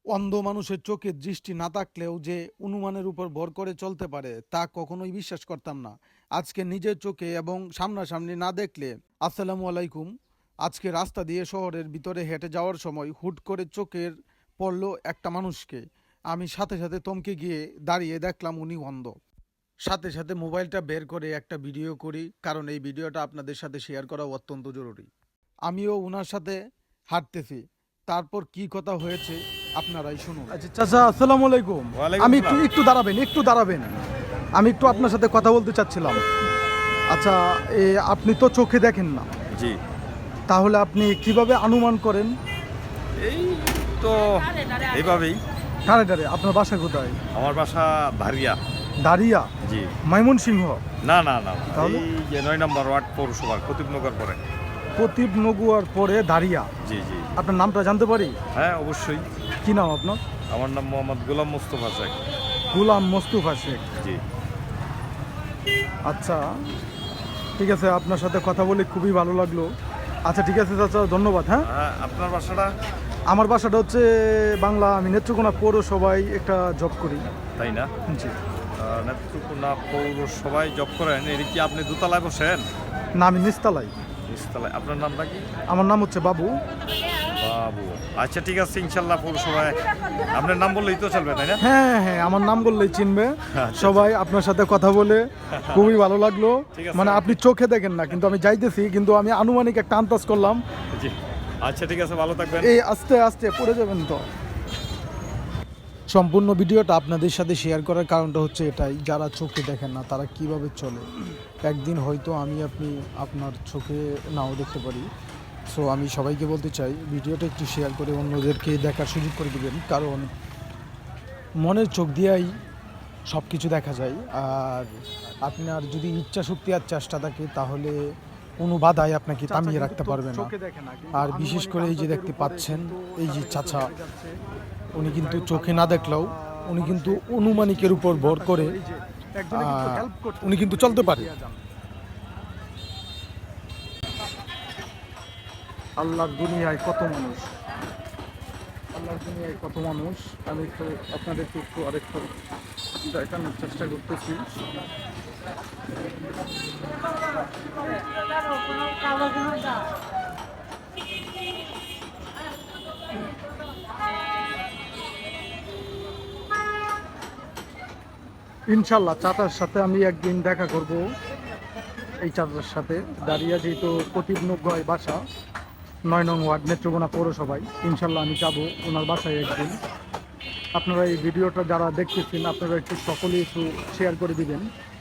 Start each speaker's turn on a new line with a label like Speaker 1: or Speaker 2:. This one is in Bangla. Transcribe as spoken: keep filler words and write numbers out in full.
Speaker 1: অন্ধ মানুষের চোখে দৃষ্টি না থাকলেও যে অনুমানের উপর ভর করে চলতে পারে তা কখনোই বিশ্বাস করতাম না। আজকে নিজের চোখে এবং সামনাসামনি না দেখলে। আসসালামু আলাইকুম। আজকে রাস্তা দিয়ে শহরের ভিতরে হেঁটে যাওয়ার সময় হুট করে চোখের পড়ল একটা মানুষকে। আমি সাথে সাথে থমকে গিয়ে দাঁড়িয়ে দেখলাম উনি অন্ধ। সাথে সাথে মোবাইলটা বের করে একটা ভিডিও করি, কারণ এই ভিডিওটা আপনাদের সাথে শেয়ার করা অত্যন্ত জরুরি। আমিও ওনার সাথে হাঁটতেছি, তারপর কি কথা হয়েছে আপনারাই শুনুন। আচ্ছা চাচা, আসসালামু আলাইকুম।
Speaker 2: ওয়ালাইকুম
Speaker 1: আমি একটু
Speaker 2: আসসালাম।
Speaker 1: একটু দাঁড়াবেন, একটু দাঁড়াবেন। আমি একটু আপনার সাথে কথা বলতে চাচ্ছিলাম। আচ্ছা, এ আপনি তো চোখে দেখেন না,
Speaker 2: জি,
Speaker 1: তাহলে আপনি কিভাবে অনুমান করেন?
Speaker 2: এই তো এইভাবেই।
Speaker 1: কারে ডারে আপনার বাসা কোথায়?
Speaker 2: আমার বাসা ধারিয়া।
Speaker 1: দাঁড়িয়া,
Speaker 2: জি,
Speaker 1: ময়মনসিংহ।
Speaker 2: না না না না,
Speaker 1: তাহলে?
Speaker 2: এই যে নয় নম্বর ওয়ার্ড পৌরসভার কতিবনগর পরে।
Speaker 1: প্রতীপ নগুয়ার পরে দাঁড়িয়া।
Speaker 2: জি জি,
Speaker 1: আপনার নামটা জানতে পারি?
Speaker 2: হ্যাঁ অবশ্যই।
Speaker 1: কি নাম আপনার?
Speaker 2: আমার নাম মোহাম্মদ গোলাম মোস্তফা শেখ।
Speaker 1: গুলাম মোস্তফা শেখ।
Speaker 2: জি,
Speaker 1: আচ্ছা, ঠিক আছে, আপনার সাথে কথা বলে খুবই ভালো লাগলো। আচ্ছা ঠিক আছে চাচা, ধন্যবাদ। হ্যাঁ,
Speaker 2: হ্যাঁ, আপনার বাসাটা?
Speaker 1: আমার বাসাটা হচ্ছে বাংলা, আমি নেত্রকোনা পৌরসভায় একটা জব করি।
Speaker 2: তাই না?
Speaker 1: জি।
Speaker 2: আহ, নেত্রকোনা পৌরসভায় জব করেন, এর কি আপনি দোতলায় বসেন?
Speaker 1: না, আমি নিস্তালাই।
Speaker 2: নিচতলায়। আপনার নামটা কি?
Speaker 1: আমার নাম হচ্ছে বাবু।
Speaker 2: বাবু। আচ্ছা ঠিক আছে, ইনশাল্লাহ পৌরসভায় আপনার নাম বললেই তো চলবে, তাই না?
Speaker 1: হ্যাঁ হ্যাঁ, আমার নাম বললেই চিনবে
Speaker 2: আচ্ছা।
Speaker 1: সবাই। আপনার সাথে কথা বলে খুবই ভালো লাগলো।
Speaker 2: ঠিক আছে।
Speaker 1: মানে আপনি চোখে দেখেন না, কিন্তু আমি যাইতেছি, কিন্তু আমি আনুমানিক একটা আন্দাজ করলাম।
Speaker 2: জি, আচ্ছা ঠিক আছে, ভালো থাকবেন।
Speaker 1: এই আস্তে আস্তে পড়ে যাবেন তো। সম্পূর্ণ ভিডিওটা আপনাদের সাথে শেয়ার করার কারণটা হচ্ছে এটাই, যারা চোখে দেখেন না তারা কিভাবে চলে। একদিন হয়তো আমি আপনি আপনার চোখে নাও দেখতে পারি। সো আমি সবাইকে বলতে চাই, ভিডিওটা একটু শেয়ার করে অন্যদেরকে দেখার সুযোগ করে দেবেন, কারণ মনের চোখ দিয়েই সব কিছু দেখা যায়। আর আপনার যদি ইচ্ছা শক্তি আর চেষ্টা থাকে, তাহলে কোনো বাধাই আপনাকে থামিয়ে রাখতে পারবে না। আর বিশেষ করে এই যে দেখতে পাচ্ছেন, এই যে চাচা, উনি কিন্তু চোখে না দেখলেও উনি কিন্তু অনুমানিকের উপর ভর করে আহ, উনি কিন্তু চলতে পারে। আল্লাহর দুনিয়ায় কত মানুষ, আল্লাহর দুনিয়ায় কত মানুষ। আমি একটু আপনাদেরকে একটু আরেকটু দেখানোর চেষ্টা করতেছি। ইনশাল্লাহ চাচার সাথে আমি একদিন দেখা করব। এই চাচার সাথে দাঁড়িয়ে, যেহেতু প্রতিবনগয় বাসা, নয় নং ওয়ার্ড, নেত্রকোনা পৌরসভায়। ইনশাল্লাহ আমি যাবো ওনার বাসায় একদিন। আপনারা এই ভিডিওটা যারা দেখতেছেন, আপনারা একটু সকলেই একটু শেয়ার করে দিবেন।